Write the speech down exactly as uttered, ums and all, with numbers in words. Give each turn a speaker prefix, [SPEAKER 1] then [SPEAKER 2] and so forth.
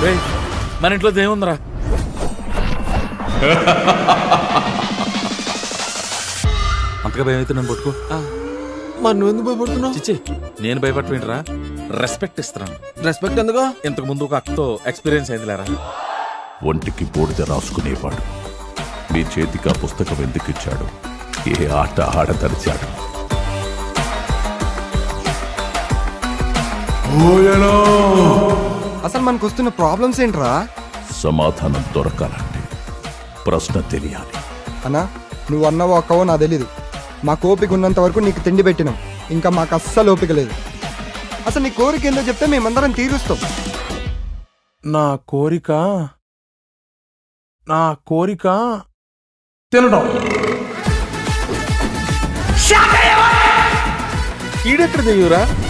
[SPEAKER 1] మన ఇంట్లో దేవుందిరా. అంతగా భయం అయితే నన్ను పట్టుకో.
[SPEAKER 2] మరి నువ్వు ఎందుకు భయపడుతున్నావు?
[SPEAKER 1] చిచ్చి నేను భయపడటమేంట్రా, రెస్పెక్ట్ ఇస్తున్నాను.
[SPEAKER 2] రెస్పెక్ట్ ఎందుకో?
[SPEAKER 1] ఇంతకు ముందు ఒక అక్కతో ఎక్స్పీరియన్స్ అయింది లేరా.
[SPEAKER 3] ఒంటికి బూడిద రాసుకునేవాడు మీ చేతికి ఆ పుస్తకం ఎందుకు ఇచ్చాడు? ఏ ఆట ఆడదరిచాడు?
[SPEAKER 2] అసలు మనకు వస్తున్న ప్రాబ్లమ్స్ ఏంట్రా?
[SPEAKER 3] సమాధానం దొరకాలంటే ప్రశ్న తెలియాలి.
[SPEAKER 2] అన్నా నువ్వు అన్నవో అక్కవో నాకు తెలీదు. మాకు ఓపిక ఉన్నంత వరకు నీకు తిండి పెట్టినాం, ఇంకా మాకు అస్సలు ఓపిక లేదు. అసలు నీ కోరిక ఏందో చెప్తే మేమందరం తీరుస్తాం.
[SPEAKER 4] నా కోరిక నా కోరిక తినడం.
[SPEAKER 1] ఈడెక్కడ దిగురా?